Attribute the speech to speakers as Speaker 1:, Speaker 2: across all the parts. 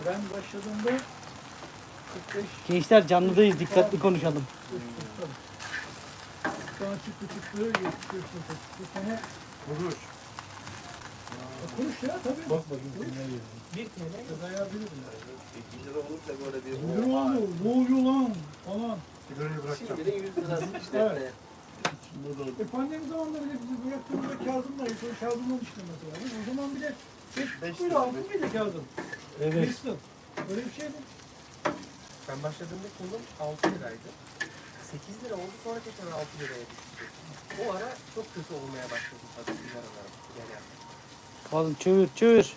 Speaker 1: Ben başladığımda 45.
Speaker 2: Gençler canlıdayız, dikkatli konuşalım.
Speaker 1: Sonra çıktı 75 bu sene
Speaker 3: Kuruş.
Speaker 1: kuruş ya tabii.
Speaker 3: Bak bakayım kimler yedi.
Speaker 1: Bir TL kazaya bilirdim.
Speaker 4: 2 lira olursa böyle bir...
Speaker 1: Ne oldu? Ne oluyor lan falan.
Speaker 3: Sigarayı bırakacağım.
Speaker 4: Şimdi de 100 lirası işte.
Speaker 1: Evet. Pandemi zamanında bile bizi bıraktığımızda kağıdımla sonra kağıdımla işte mesela. O zaman bile 5 lira aldım bile kağıdım.
Speaker 3: Evet.
Speaker 1: Öyle bir şeydi.
Speaker 5: Ben başladığımda kolum 6 liraydı. 8 lira oldu sonra tekrar 6 liraya düştü. O ara çok kötü olmaya başladı tabii sigaralarım. Sigara yaptım.
Speaker 2: Oğlum çevir çevir.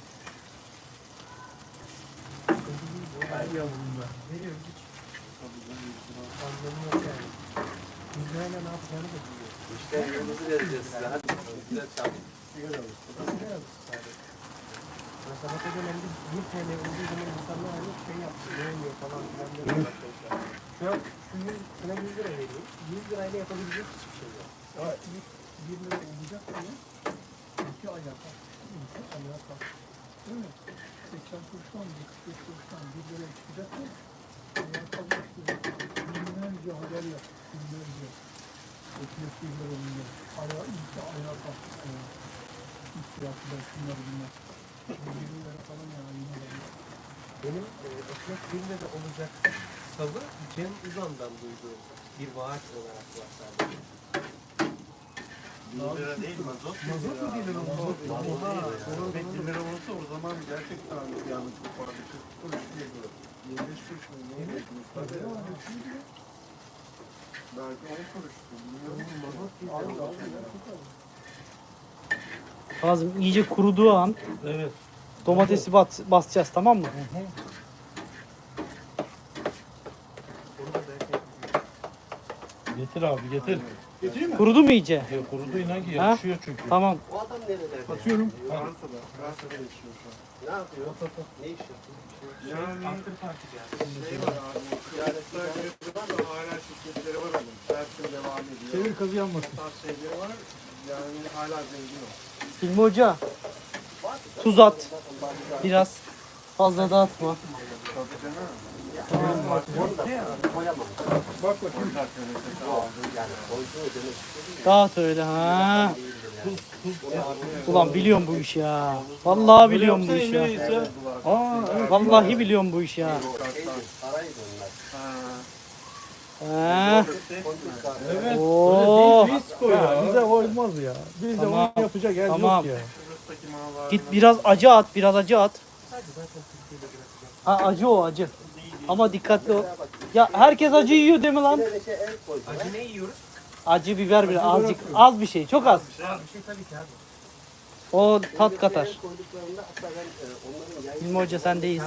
Speaker 1: Ay yavrum be.
Speaker 5: Veriyoruz hiç. Anlamı yok yani. 100 lirayla ne yapacağını da biliyor.
Speaker 4: İşte yolumuzu vereceğiz size. Hadi. Güzel çabuk.
Speaker 5: Sigara alır. Sigara alır sadece. Mesela Sabah dönemde 1 TL olduğu zaman insanlar hani şey yaptı. Ne oluyor falan filan diye başlamışlar. Şu an şu 100, sana 100 lira veriyor. 100 lirayla yapabilecek hiçbir şey yok.
Speaker 1: Ya ilk 1 lira olacak diye 2 ayağa kalktı. 2 ayağa kalktı. Değil mi? 80 kuruştan 45 kuruştan 1 liraya çıkacak mı? Ayağa kalkmıştı. Binlerce haber yaptı. Binlerce. Ekmek 1 lira olunca. İlk de ayağa kalktı. İhtiyatlar şunlar bunlar. 1 lira falan ya. Yine de.
Speaker 5: Benim ekmek 1 lira olacak salı Cem Uzan'dan duyduğum bir vaat olarak var sadece.
Speaker 3: 1 lira değil mazot.
Speaker 1: Mazot mu 1 lira? Mazot.
Speaker 3: Oha. Ekmek 1 lira olsa o zaman gerçekten yanlış bir puan. 40 kuruş diye diyor. 25 kuruş mu? Ne ekmek?
Speaker 1: Tabii ya, şimdi de.
Speaker 3: Belki 10 kuruştu. Bilmiyorum.
Speaker 1: Mazot değil. Abi, ya, çok az.
Speaker 2: Kazım iyice kuruduğu an
Speaker 3: Evet.
Speaker 2: domatesi basacağız, tamam mı?
Speaker 5: Onu da belki
Speaker 3: Getir abi getir.
Speaker 1: Getireyim mi?
Speaker 2: Kurudu mu iyice?
Speaker 3: Ya kurudu inan ki
Speaker 2: Ha?
Speaker 3: yapışıyor çünkü.
Speaker 2: Tamam.
Speaker 4: O adam nerede?
Speaker 1: Atıyorum.
Speaker 3: Fransa'da. Fransa'da yaşıyor şu an.
Speaker 4: Ne yapıyor? Ne iş yapıyor?
Speaker 3: Yani
Speaker 5: after party geldi.
Speaker 3: şey var abi. Kıyafetler var da hala şirketleri var onun. Dersin devam ediyor.
Speaker 1: Çevir kazı yanmasın.
Speaker 3: Bu tarz şeyleri var. Yani hala zengin o.
Speaker 2: Hilmi Hoca, tuz at. Biraz. Fazla dağıtma.
Speaker 3: Tabii canım.
Speaker 1: Bak bakayım.
Speaker 4: Yani koyduğu demek istediğim
Speaker 2: Dağıt öyle ha. Ulan biliyorum bu iş ya. Vallahi biliyorum bu iş ya.
Speaker 3: Aa evet.
Speaker 2: Vallahi biliyorum bu iş ya.
Speaker 4: paraydı onlar.
Speaker 2: Ha.
Speaker 3: Evet.
Speaker 2: Oo.
Speaker 3: Disko ya.
Speaker 1: Bize olmaz ya. Bizde
Speaker 2: Tamam.
Speaker 1: onu yapacak yer
Speaker 2: Tamam.
Speaker 1: yok ya.
Speaker 3: Şurasındaki mağazalar.
Speaker 2: Git biraz acı at, biraz acı at.
Speaker 5: Hadi zaten Türkiye'de bırakacağım.
Speaker 2: Ha acı o acı. Ama dikkatli ol. Ya herkes acı yiyor değil mi lan?
Speaker 4: Bir de şey el koydu.
Speaker 5: Acı ne yiyoruz?
Speaker 2: Acı biber bile azıcık, az bir şey, çok az.
Speaker 5: Az bir şey tabii ki abi.
Speaker 2: O tat katar.
Speaker 4: El koyduklarında hatta ben onların yayın...
Speaker 2: Hilmi Hoca sendeyiz.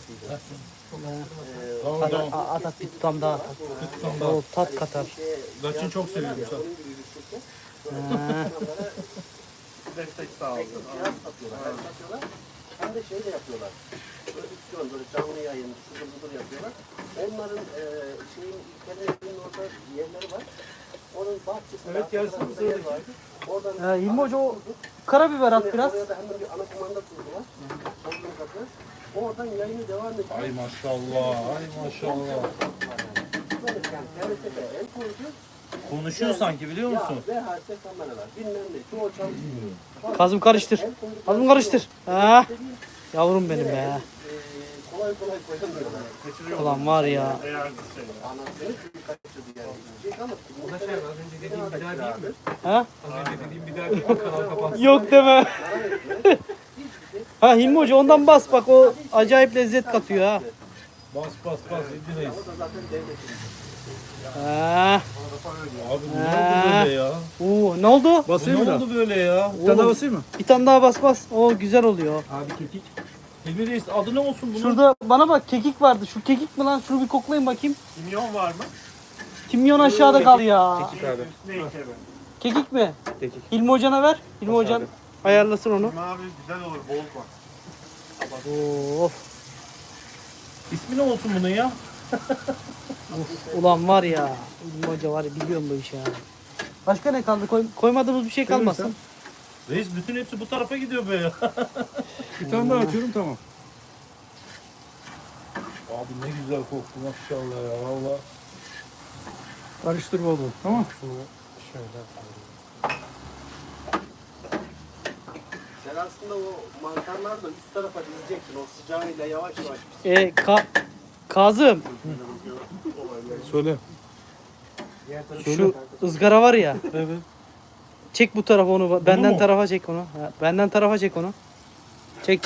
Speaker 3: Tamam
Speaker 2: At,
Speaker 3: tamam.
Speaker 2: at, at bir tutam daha at. O tat katar.
Speaker 3: Laçın çok seviyorum.
Speaker 4: Onun gibi bir şirket.
Speaker 2: Ha.
Speaker 3: Destek sağ olsun.
Speaker 4: Cihaz satıyorlar. Hem satıyorlar hem de şey de yapıyorlar. Prodüksiyon böyle canlı yayın, şudur budur yapıyorlar. Onların şeyin İlker'in orada yerleri var. Onun bahçesinde
Speaker 1: Evet, gelsin
Speaker 4: arka
Speaker 1: mi
Speaker 4: tarafta yer
Speaker 1: sıradaki?
Speaker 4: var. Oradan
Speaker 2: Hilmi Hoca o karabiber at biraz.
Speaker 4: Oraya da hemen bir ana kumanda kurdular. Onun katı. Oradan yayını devam ediyor.
Speaker 3: Ay maşallah. Ay maşallah.
Speaker 4: Böyle yani TRT'de el koydu.
Speaker 3: Konuşuyor sanki biliyor
Speaker 4: Ya
Speaker 3: musun?
Speaker 4: VHS kameralar bilmem ne çoğu çalışmıyor.
Speaker 2: Kazım karıştır.
Speaker 4: El koydukları
Speaker 2: Kazım
Speaker 4: şey
Speaker 2: karıştır.
Speaker 4: yok.
Speaker 2: Ha.
Speaker 4: Dediğim,
Speaker 2: Yavrum benim be.
Speaker 4: kolay kolay koyamıyorlar.
Speaker 3: Kaçırıyor.
Speaker 2: Ulan var ya.
Speaker 3: Değerli şey.
Speaker 4: Anasını çünkü kaçırdı yani. Yiyecek ama
Speaker 5: Bu da şey az önce dediğim bir daha değil mi?
Speaker 2: Ha?
Speaker 5: Az önce dediğim bir daha değil mi? Kanal kapansın.
Speaker 2: Yok deme. Ha Hilmi Hoca ondan bas bak, o acayip lezzet katıyor ha.
Speaker 3: Bas bas bas. İddineyiz.
Speaker 4: O da zaten devletin.
Speaker 2: Ha.
Speaker 3: Abi bu ne oldu böyle ya?
Speaker 2: Oo, ne oldu?
Speaker 3: Bu ne oldu böyle ya?
Speaker 1: Bir tane daha basayım mı?
Speaker 2: Bir tane daha bas bas. O güzel oluyor.
Speaker 1: Abi kekik.
Speaker 3: Hilmi Reis adı ne olsun bunun?
Speaker 2: Şurada bana bak, kekik vardı. Şu kekik mi lan? Şunu bir koklayın bakayım.
Speaker 3: Kimyon var mı?
Speaker 2: Kimyon aşağıda kal ya.
Speaker 3: Ne ikebe?
Speaker 2: Kekik mi? Hilmi Hoca'na ver. Hilmi Hocan ayarlasın onu.
Speaker 3: Hilmi abi güzel olur bol koy.
Speaker 2: Of.
Speaker 3: İsmi ne olsun bunun ya?
Speaker 2: Ulan var ya. Hilmi Hoca var ya, biliyorum bu işi ya. Başka ne kaldı? Koymadığımız bir şey kalmasın.
Speaker 3: Reis bütün hepsi bu tarafa gidiyor be ya.
Speaker 1: Bir tane daha atıyorum tamam.
Speaker 3: Abi ne güzel koktu maşallah ya valla.
Speaker 1: Karıştır bol bol. Tamam.
Speaker 5: Şunu şöyle koyayım.
Speaker 4: Sen aslında o mantarları da üst tarafa dizeceksin. O sıcağıyla yavaş yavaş.
Speaker 2: Kazım
Speaker 3: Söyle.
Speaker 5: Diğer tarafı
Speaker 2: şu ızgara var ya.
Speaker 3: Evet.
Speaker 2: Çek bu tarafa onu. Benden
Speaker 3: mu?
Speaker 2: tarafa çek onu. Ha, benden tarafa çek onu. Çek.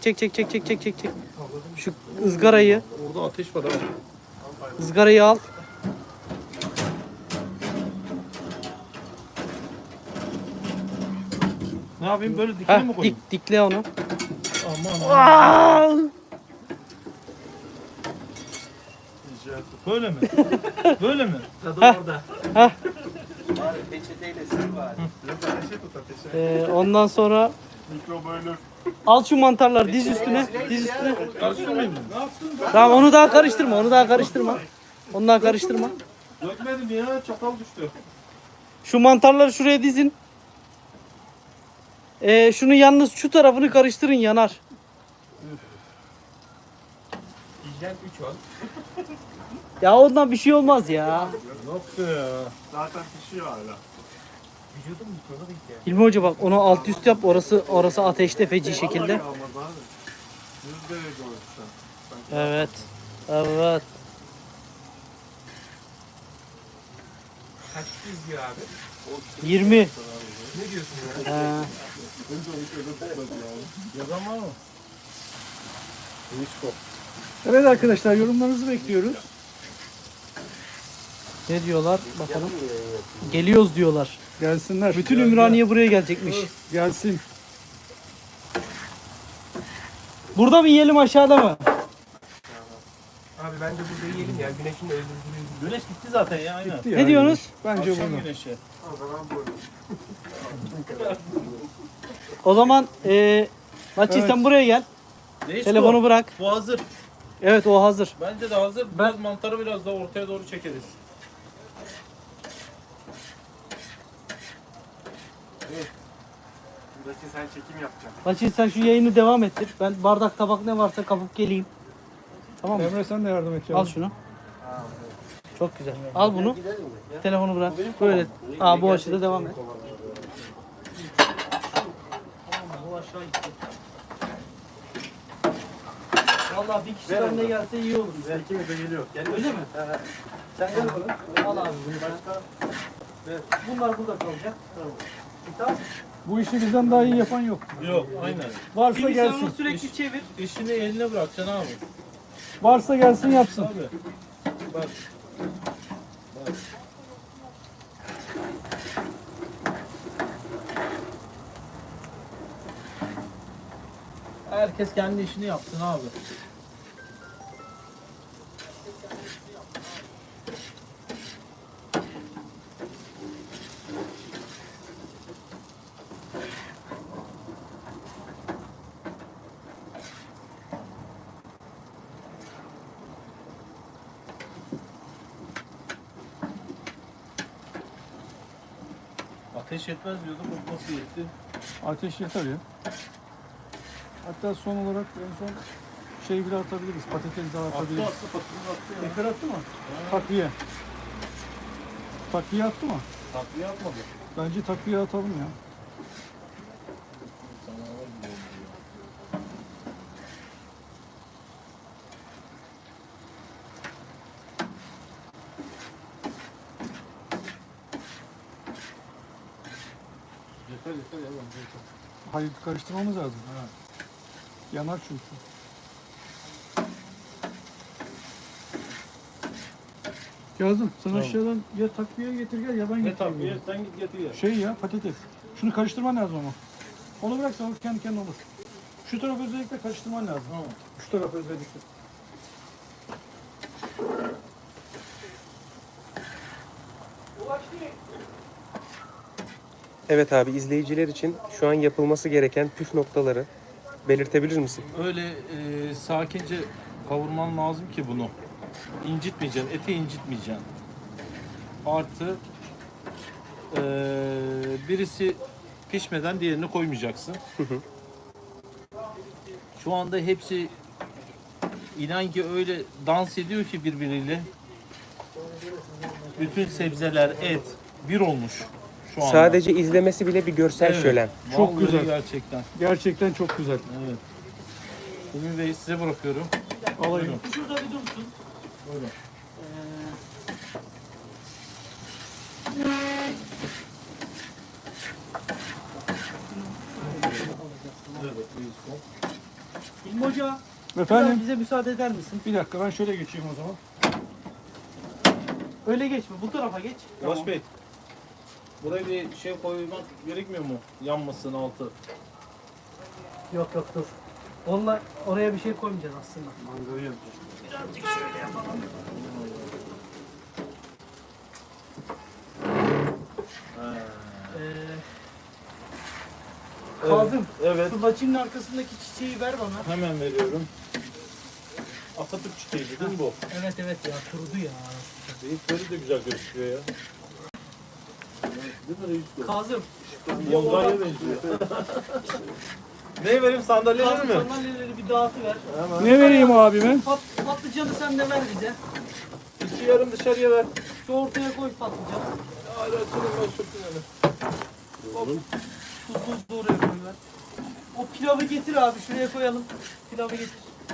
Speaker 2: Şu ızgarayı,
Speaker 3: Orada ateş var abi.
Speaker 2: ızgarayı al.
Speaker 3: Ne yapayım böyle dikine mi
Speaker 2: Ha,
Speaker 3: koyayım?
Speaker 2: dikle onu.
Speaker 3: Aman. Böyle mi? Böyle mi?
Speaker 5: tadı orada.
Speaker 4: Bari peçeteyle sil bari.
Speaker 3: Biraz ateşe tut ateşe.
Speaker 2: Ondan sonra
Speaker 3: Mikrobölür.
Speaker 2: al şu mantarları diz üstüne. Diz üstüne.
Speaker 3: Karıştırmayayım mı? Ne yaptın?
Speaker 2: Tamam onu daha karıştırma. Onu daha karıştırma.
Speaker 3: Dökmedim ya çatal düştü.
Speaker 2: Şu mantarları şuraya dizin. Şunu yalnız şu tarafını karıştırın, yanar.
Speaker 5: Hijyen 3 ol.
Speaker 2: Ya ondan bir şey olmaz ya.
Speaker 3: Nasıl ya? Zaten pişiyor hala.
Speaker 5: Vücudum mikronu değil ki.
Speaker 2: Hilmi Hoca bak onu alt üst yap. Orası ateşte feci şekilde.
Speaker 3: Vallahi kalmaz abi. 100 derece olmuş şu an.
Speaker 2: Evet.
Speaker 5: Kaç izliyor abi?
Speaker 2: 20.
Speaker 5: Ne diyorsun ya?
Speaker 3: Yazan var mı? Hiç kop.
Speaker 1: Evet arkadaşlar yorumlarınızı bekliyoruz.
Speaker 2: Ne diyorlar? Bakalım. Geliyoruz diyorlar.
Speaker 1: Gelsinler.
Speaker 2: Bütün Ümraniye buraya gelecekmiş.
Speaker 1: Gelsin.
Speaker 2: Burada mı yiyelim, aşağıda mı?
Speaker 5: Abi bence burada yiyelim ya. Güneşin öldürdüğü.
Speaker 3: Güneş gitti zaten ya aynen.
Speaker 1: Gitti
Speaker 2: Ne
Speaker 1: yani.
Speaker 2: diyorsunuz?
Speaker 1: Bence
Speaker 3: Akşam
Speaker 1: bunu.
Speaker 3: güneşi.
Speaker 2: O zaman Laçi sen buraya gel.
Speaker 3: Neyse
Speaker 2: Telefonu bırak.
Speaker 3: Bu hazır.
Speaker 2: Evet o hazır.
Speaker 3: Bence de hazır. Biraz mantarı biraz daha ortaya doğru çekeriz.
Speaker 5: Buradaki sen çekim yapacaksın.
Speaker 2: Laçi sen şu yayını devam ettir. Ben bardak tabak ne varsa kapıp geleyim. Tamam mı?
Speaker 1: Emre sen de yardım et.
Speaker 2: Al şunu. Çok güzel. Al bunu.
Speaker 4: Gidelim mi? Ya.
Speaker 2: Telefonu bırak. Böyle. Aa bu açıda devam et. Bu aşağı gitti. Vallahi bir kişi önüne gelse iyi olur.
Speaker 3: Belki de geliyor.
Speaker 2: Öyle mi? Sen gel bakalım. Al abi bunu sen. Evet. Bunlar burada kalacak. Tamam.
Speaker 1: Bu işi bizden daha iyi yapan yok.
Speaker 3: Yok aynen.
Speaker 1: Varsa
Speaker 2: Şimdi sen
Speaker 1: gelsin.
Speaker 2: onu sürekli çevir.
Speaker 3: İşini eline bırakacaksın abi.
Speaker 1: Varsa gelsin yapsın.
Speaker 3: Abi. Bak. Herkes kendi işini yapsın abi. Ateş yetmez diyordum, bu nasıl yetti?
Speaker 1: Ateş yeter ya. Hatta son olarak en son şey bile atabiliriz. Patates de atabiliriz.
Speaker 3: Patını attı ya.
Speaker 1: Tekrar attı mı? Takviye. Takviye attı mı?
Speaker 3: Takviye atmadı.
Speaker 1: Bence takviye atalım ya.
Speaker 3: Yeter ya bence yeter.
Speaker 1: Hayır karıştırmamız lazım. Yanar çünkü. Kazım sen
Speaker 3: Tamam.
Speaker 1: aşağıdan ya takviye getir gel ya ben
Speaker 3: Ne
Speaker 1: getireyim.
Speaker 3: takviye? Sen git getir ya.
Speaker 1: Şey ya patates. Şunu karıştırman lazım ama. Onu bıraksan o kendi kendine olur. Şu tarafı özellikle karıştırman lazım.
Speaker 3: Tamam.
Speaker 1: Şu tarafı özellikle.
Speaker 5: Evet abi, izleyiciler için şu an yapılması gereken püf noktaları belirtebilir misin?
Speaker 3: Öyle sakince kavurman lazım ki bunu. İncitmeyeceksin, eti incitmeyeceksin. Artı birisi pişmeden diğerini koymayacaksın. Şu anda hepsi İnan ki öyle dans ediyor ki birbiriyle. Bütün sebzeler, et bir olmuş şu anda.
Speaker 5: Sadece izlemesi bile bir görsel
Speaker 3: Evet.
Speaker 5: şölen.
Speaker 1: Çok
Speaker 3: Vallahi
Speaker 1: güzel.
Speaker 3: Gerçekten.
Speaker 1: Gerçekten çok güzel.
Speaker 3: Evet. Emin Bey size bırakıyorum.
Speaker 1: Alayım.
Speaker 3: Buyurun.
Speaker 2: Şurada bir dursun.
Speaker 3: Buyurun. Evet, buyurun.
Speaker 2: İlmi Hoca, biraz
Speaker 1: Efendim?
Speaker 2: bize müsaade eder misin?
Speaker 1: Bir dakika ben şöyle geçeyim o zaman.
Speaker 2: Öyle geçme, bu tarafa geç.
Speaker 3: Ulaş Bey. Buraya bir şey koymak gerekmiyor mu? Yanmasın altı.
Speaker 2: Yok yok dur. Onunla oraya bir şey koymayacağız aslında.
Speaker 3: Mangoyu yapacağız.
Speaker 2: Birazcık şöyle yapalım. Kazım,
Speaker 3: Evet.
Speaker 2: şu laçinin arkasındaki çiçeği ver bana.
Speaker 3: Hemen veriyorum. Atatürk çiçeği değil mi bu?
Speaker 2: Evet evet ya, kurudu ya.
Speaker 3: Reisleri de güzel gözüküyor ya. Değil mi reis bu?
Speaker 2: Kazım,
Speaker 3: Yongaya benziyor. Ne vereyim, sandalyeleri
Speaker 2: Kazım
Speaker 3: mi?
Speaker 2: sandalyeleri bir dağıtıver.
Speaker 3: Hemen.
Speaker 1: Ne vereyim abime?
Speaker 2: Patlıcanı sen de ver bize.
Speaker 3: İki yarım dışarıya ver.
Speaker 2: Şu ortaya koy patlıcan.
Speaker 3: Hayır açılın ben sürtün öyle.
Speaker 2: Tuzlu oraya koy ver. O pilavı getir abi, şuraya koyalım. Pilavı getir.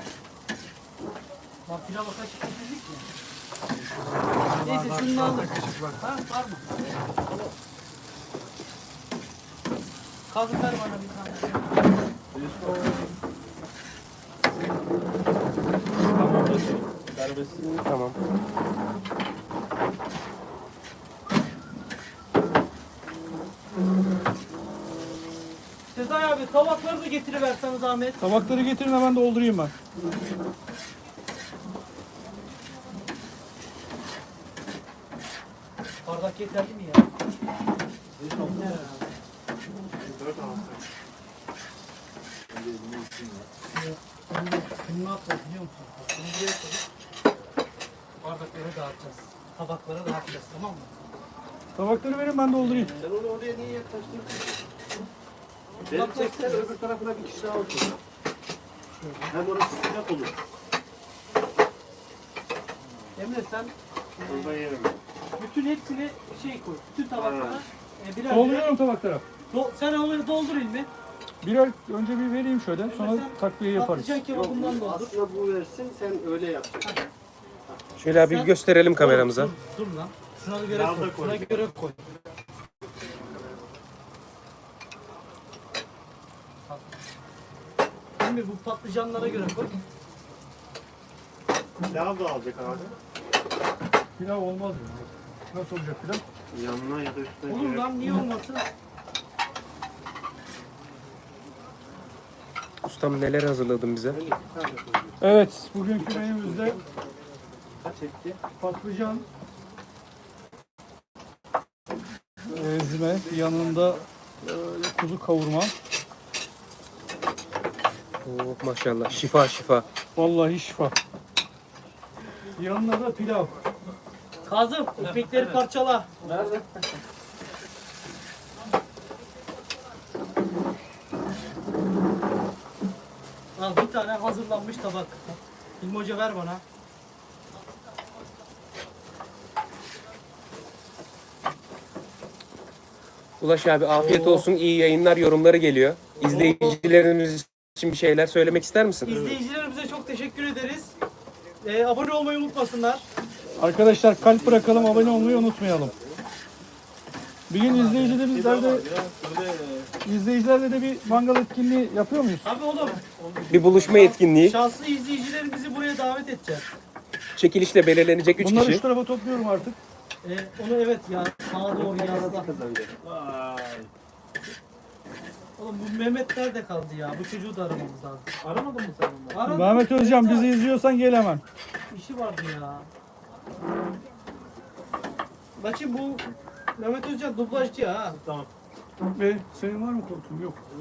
Speaker 2: Bak pilava kaşık getirdik mi? Neyse şunu alır. Ha, var mı? Kazım ver bana bir tane.
Speaker 3: Tamam reis. Serbest.
Speaker 5: Tamam.
Speaker 2: Sezai abi tabakları da getiriversen zahmet.
Speaker 1: Tabakları getirin hemen doldurayım ben.
Speaker 2: Bardak yeterli mi ya? Bunu ne yapacağız biliyor musun? Bunu buraya koyup bardaklara dağıtacağız. Tabaklara dağıtacağız, tamam mı?
Speaker 1: Tabakları verin ben doldurayım.
Speaker 4: Sen onu oraya niye yaklaştın? Beni çeksen öbür tarafına bir kişi daha otur. Hem orası sıcak olur.
Speaker 2: Emre sen
Speaker 4: Orada yerim.
Speaker 2: bütün hepsini şey koy, bütün tabaklara birer birer.
Speaker 1: Dolduruyorum tabaklara.
Speaker 2: Sen onları doldur ilmi.
Speaker 1: Birer önce bir vereyim şöyle sonra
Speaker 2: Sen
Speaker 1: takviye yaparız.
Speaker 2: Patlıcan kebabından doldur.
Speaker 4: Aslında bu versin sen öyle yapacaksın.
Speaker 5: Şöyle abi bir gösterelim kameramıza.
Speaker 2: Dur lan. Şuna göre koy. Şuna göre koy. Şimdi bu patlıcanlara göre koy.
Speaker 3: Pilav da alacak abi.
Speaker 1: Pilav olmaz mı? Nasıl olacak pilav?
Speaker 3: Yanına ya da üstüne.
Speaker 2: Olur lan niye olmasın?
Speaker 5: Ustam neler hazırladın bize?
Speaker 1: Evet, bugünkü menümüzde
Speaker 4: Kaç etti?
Speaker 1: patlıcan, ezme, yanında kuzu kavurma.
Speaker 5: Oh, maşallah şifa şifa.
Speaker 1: Vallahi şifa. Yanına da pilav.
Speaker 2: Kazım, ekmekleri parçala.
Speaker 3: Nerede?
Speaker 2: Al bir tane hazırlanmış tabak. İlmi Hoca ver bana.
Speaker 5: Ulaş abi afiyet olsun, iyi yayınlar, yorumları geliyor. İzleyicilerimiz için bir şeyler söylemek ister misin?
Speaker 2: İzleyicilerimize çok teşekkür ederiz. Abone olmayı unutmasınlar.
Speaker 1: Arkadaşlar kalp bırakalım, abone olmayı unutmayalım. Bir gün izleyicilerle de bir mangal etkinliği yapıyor muyuz?
Speaker 2: Abi oğlum,
Speaker 5: Bir buluşma etkinliği,
Speaker 2: şanslı izleyicilerimizi buraya davet edeceğiz.
Speaker 5: çekilişle belirlenecek 3
Speaker 1: Bunları
Speaker 5: kişi.
Speaker 1: şu tarafa topluyorum artık.
Speaker 2: Onu evet ya, sağa doğru yazla.
Speaker 3: Vay.
Speaker 2: Oğlum bu Mehmet nerede kaldı ya? Bu çocuğu da aramamız lazım. Aramadın mı sen onu? Aradım.
Speaker 1: Mehmet Özcan bizi izliyorsan gel hemen.
Speaker 2: İşi vardı ya. Bakayım bu Mehmet Özcan dublajcı ha.
Speaker 3: Tamam.
Speaker 1: Ve senin var mı korkun? Yok.